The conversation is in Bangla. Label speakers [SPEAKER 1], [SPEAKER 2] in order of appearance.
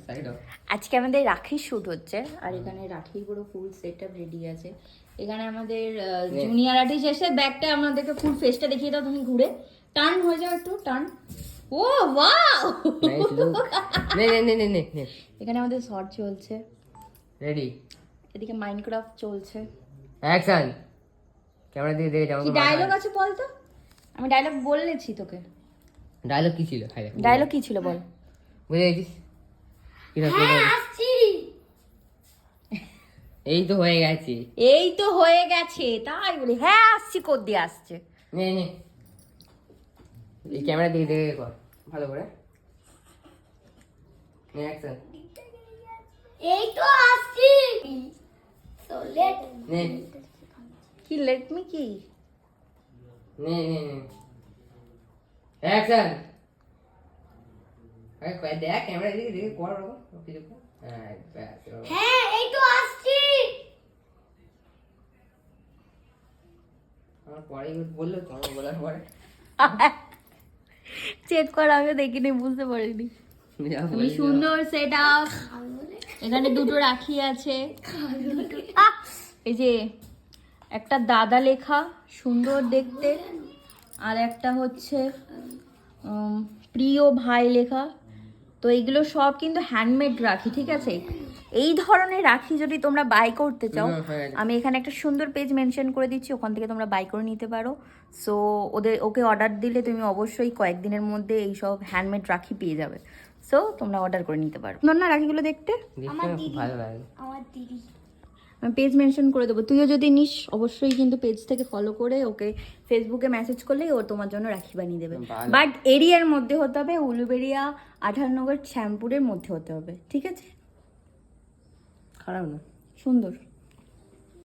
[SPEAKER 1] আজকে আমাদের রাখির শুট হচ্ছে আর এখানে রাখির পুরো ফুল সেটআপ রেডি আছে। এখানে আমাদের জুনিয়র আর্টিস্ট এসে ব্যাগটা আমাদেরকে ফুল ফেসটা দেখিয়ে দাও তুমি ঘুরে। টার্ন হয়ে যাও একটু টার্ন। ও ওয়াও
[SPEAKER 2] নে নে নে নে নে নে
[SPEAKER 1] এখানে আমাদের শট চলছে।
[SPEAKER 2] রেডি।
[SPEAKER 1] এদিকে মাইনক্রাফট চলছে।
[SPEAKER 2] অ্যাকশন। ক্যামেরা দিকে দেখে যাও।
[SPEAKER 1] কি ডায়লগ আছে বল তো? আমি ডায়লগ বলেছি তোকে।
[SPEAKER 2] ডায়লগ কি ছিল?
[SPEAKER 1] ডায়লগ কি ছিল বল?
[SPEAKER 2] বুঝে গেছিস? কি না
[SPEAKER 1] আসছি।
[SPEAKER 2] এই তো হয়ে গেছে।
[SPEAKER 1] এই তো হয়ে গেছে তাই বলি হ্যাঁ আসছি কোদ দিয়ে আসছে।
[SPEAKER 2] নে নে এই ক্যামেরা দিকে দেখে কর ভালো করে। নে অ্যাকশন।
[SPEAKER 3] এই তো আসছি সো লেট
[SPEAKER 2] নে
[SPEAKER 1] কি লেট মি কি?
[SPEAKER 2] নে নে নে অ্যাকশন। আরে কই দেখ ক্যামেরা দিকে দেখে কর কিছু কর। হ্যাঁ ব্যাস।
[SPEAKER 3] হ্যাঁ এই তো আসছি
[SPEAKER 2] আমার পরে বললো তো আমার বলার পরে
[SPEAKER 1] চেক কর আমিও দেখিনি বুঝতে পারিনি। তুমি সুন্দর সেট আপ। এখানে দুটো রাখি আছে। এই যে একটা দাদা লেখা সুন্দর দেখতে আর একটা হচ্ছে প্রিয় ভাই লেখা। তো এইগুলো সব কিন্তু হ্যান্ডমেড রাখি ঠিক আছে। এই ধরনের রাখি যদি তোমরা বাই করতে চাও আমি এখানে একটা সুন্দর পেজ মেনশন করে দিচ্ছি ওখান থেকে তোমরা বাই করে নিতে পারো। সো ওকে অর্ডার দিলে তুমি অবশ্যই কয়েকদিনের মধ্যে এই সব হ্যান্ডমেড রাখি পেয়ে যাবে। সো তোমরা অর্ডার করে নিতে পারো। না রাখিগুলো দেখতে
[SPEAKER 2] ভালো লাগে।
[SPEAKER 3] আমার দিদি
[SPEAKER 1] আমি পেজ মেনশন করে দেবো। তুইও যদি নিস অবশ্যই কিন্তু পেজ থেকে ফলো করে ওকে ফেসবুকে মেসেজ করলেই ও তোমার জন্য রাখি বানিয়ে দেবে। বাট এরিয়ার মধ্যে হতে হবে উলুবেড়িয়া 18 নগর শ্যামপুরের মধ্যে হতে হবে ঠিক আছে।
[SPEAKER 2] খারাপ না
[SPEAKER 1] সুন্দর।